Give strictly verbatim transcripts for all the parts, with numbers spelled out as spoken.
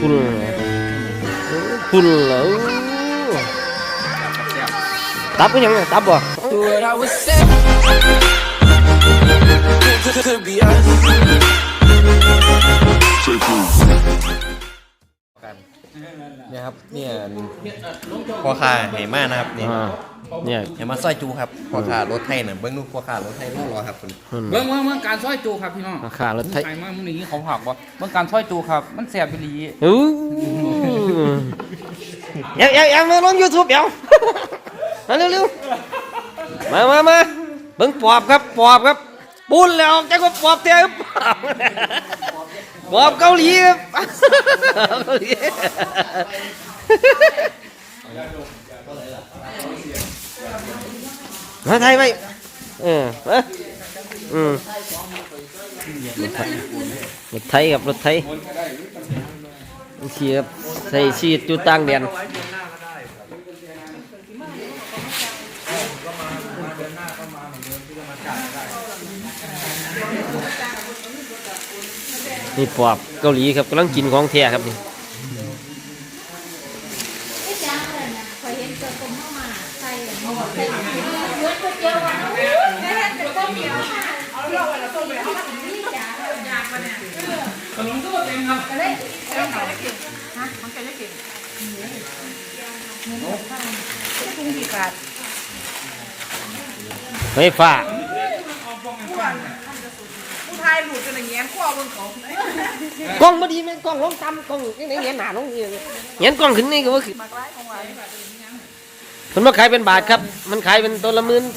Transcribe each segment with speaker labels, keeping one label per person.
Speaker 1: พุ่นพุ่นแล้วตับก็ยังตับบ่
Speaker 2: เนี่ยครับเนี่ยพ่อค้าไหมากนะครับนี่
Speaker 1: เนี่ย
Speaker 2: เห็นมาซอยจูครับพ่อค้ารถไทยเนี่ยเบิ้งลูกพ่อค้ารถไทยรอรอครับคุณ
Speaker 3: เบิ้งเบิ้งเบิ้งการซอยจูครับพี่น้อง
Speaker 1: พ่อค้ารถไทย
Speaker 3: ไอ้มามึงนี่เขาหักบ่เบิ้งการซอยจูครับมันแสบไปลี
Speaker 1: อู้เดี๋ยวเดี๋ยวเดี๋ยวมาลงยูทูบเดี๋ยวมาเร็วเร็วมามามาเบิ้งปอบครับปอบครับปูนแล้วใจก็ปอบเตี้ยปอบเกาหลีครับเกาหลีมาไทยไปเออมาอืมรถไทยกับรถไทยเชียบใส่ชีดจุดตั้งเดียนนี่ปอบเกาหลีครับกำลังกินของแท้ครับนี่
Speaker 3: ขนมตัวเต็มครับ
Speaker 1: เฮ้ยฟ้า
Speaker 4: ผู้ชายหลุดกันอย่างเงี้ยขั้วบนเขา
Speaker 1: กล้องมาดีไหมกล้องลงต่ำกล้องนี่ไหนเงี้ยหนาลงเงี้ยเงี้ยกล้องขึ้นนี่ก็ว่าคือมันมาขายเป็นบาทครับมันขายเป็นตัวละหมื่น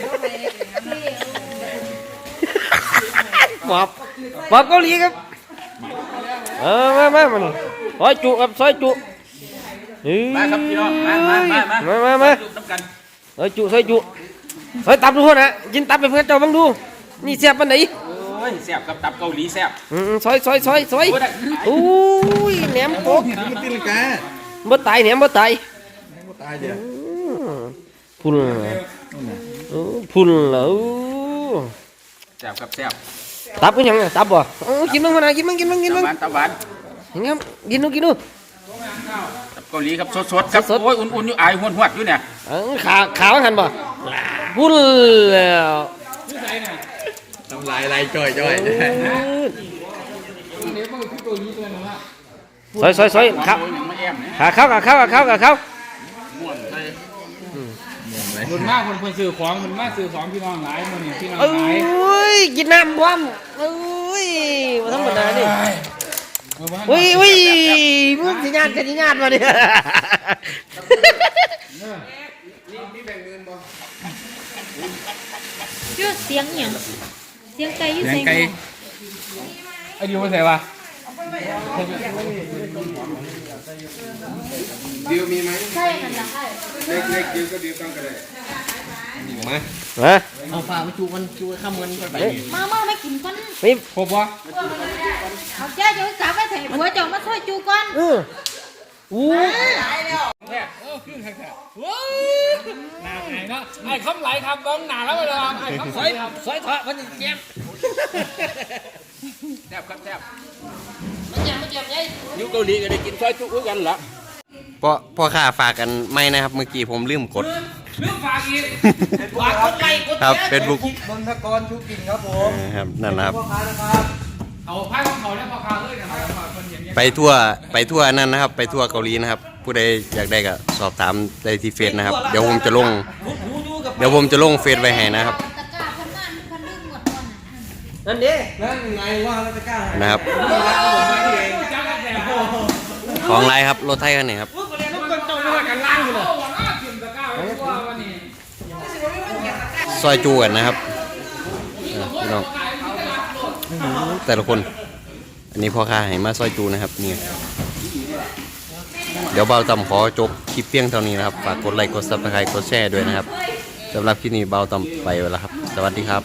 Speaker 1: ปอบปอบเกาหลีครับเออมามามันซอยจุครับซอยจุ
Speaker 3: มาครับพี่น้องมามามา
Speaker 1: มามามาซอยจุซอยจุซอยตับดูคนนะกินตับไปเพื่อนเจ้าบังดูนี่เสียบปันไหน
Speaker 3: โอ้ยแซ่บกับตับเกาหลีแซ่บ
Speaker 1: อืมซอยซอยซอยซอยอุ้ยแหนมโป๊กบ่ตายแหนมบ่ตาย
Speaker 2: บ่ตายเดี๋ยว
Speaker 1: พุ่นพุ่นแล้ว
Speaker 3: แซ่บกับแซ่บ
Speaker 1: ตับก็ยังตับบ่กินบ้างคนนะกินบ้างกินบ้างกินบ้าง
Speaker 3: ตับหวาน
Speaker 1: ยังไงกินดูกินดู
Speaker 3: ตับเกาหลีครับสดๆครับโอ้ยอุ่นๆอยู่อายหวดๆอยู่เนี่ย
Speaker 1: ขาขาหันบ่พุ่นแล้ว
Speaker 2: ทำลายลายจ่อยจ่อย
Speaker 1: ซอยซอยซอยครับขาเข้าขาเข้าขาเข้าขาเข้า
Speaker 3: คนมากคนคนซื้อของคนมากซื้อของพี่น้องหลายคนนี่พี่น้องหลาย
Speaker 1: โอ้ยกินน้ำพร้อมโอ้ยมาธรรมดาดิอุ้ยอุ้ยมึงสิญาติกันสิญาติมาดิ
Speaker 5: ชื่อเสียงอย่างเสียงไก่ยี่
Speaker 3: เสียงไก่ไอ้ดิวมาใส่ปะดิวมีไหม
Speaker 5: ใช่มันจะใช่
Speaker 3: เล็กเล็กดิวก็ดิวต้องกันเลย
Speaker 1: มามา
Speaker 2: เอาฝามาจูมันจูข้ามมันไป
Speaker 5: มาเมาไม่กินก้อน
Speaker 1: ไม่
Speaker 3: ครบวะ
Speaker 5: เอาเจ้าจะกลับไปถ่ายหัวเจ้ามาช่วยจูก้อน
Speaker 1: เอออู้
Speaker 3: แค่เออขึ้นแค่แค่ว้าวหนาไงเนาะไอ้คำไหลคำบ้องหนาแล้วเลยครับไอ้คำไหลครับ
Speaker 1: ซอยถอดมันเจ็บ
Speaker 3: แซ่บครับแซ่บ
Speaker 1: มันเจ็บมันเจ็บไง
Speaker 3: ยุคเกาหลีก็ได้กินซอยจุ๊กันเหรอ
Speaker 2: พ่อพ่อข้าฝากกันไม่นะครับเมื่อกี้ผมลืมกด
Speaker 3: ลืมฝากอีก
Speaker 1: ฝากกดไลค์กดแชร์
Speaker 2: ครับเฟซบุ๊ก
Speaker 4: มนทกรชุกินครับผม
Speaker 2: ครับนั่นนะครับ
Speaker 3: เอาไพ่ของเขาแล้วพอคาเลยนะ
Speaker 2: ไปทั่วไปทั่วนั่นนะครับไปทั่วเกาหลีนะครับผู้ใดอยากได้ก็สอบถามได้ที่เฟซนะครับเดี๋ยวผมจะลงเดี๋ยวผมจะลงเฟซไว้ให้นะครับ
Speaker 1: นั่นดิ
Speaker 4: นั่นไงว่าเราจะกล้า
Speaker 2: นะครับของไรครับรถไทยคันนี้ครับซอยจูกันนะครับพี่น้องแต่ละคนอันนี้พ่อค้าให้มาซอยจูนะครับนี่เดี๋ยวเบาต่ำขอจบคลิปเพียงเท่านี้นะครับฝากกดไลค์กดซับสไครต์กดแชร์ด้วยนะครับสำหรับคลิปนี้เบาต่ำไปแล้วครับสวัสดีครับ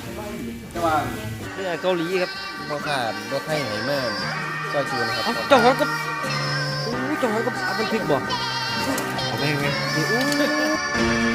Speaker 1: เกาหลีครับ
Speaker 2: พ่อค้ารถไทยให้มาซอยจูนะครับ
Speaker 1: เจ้าของก็เจ้าของก็เอาบันทึกบอก
Speaker 2: ไม่ไม่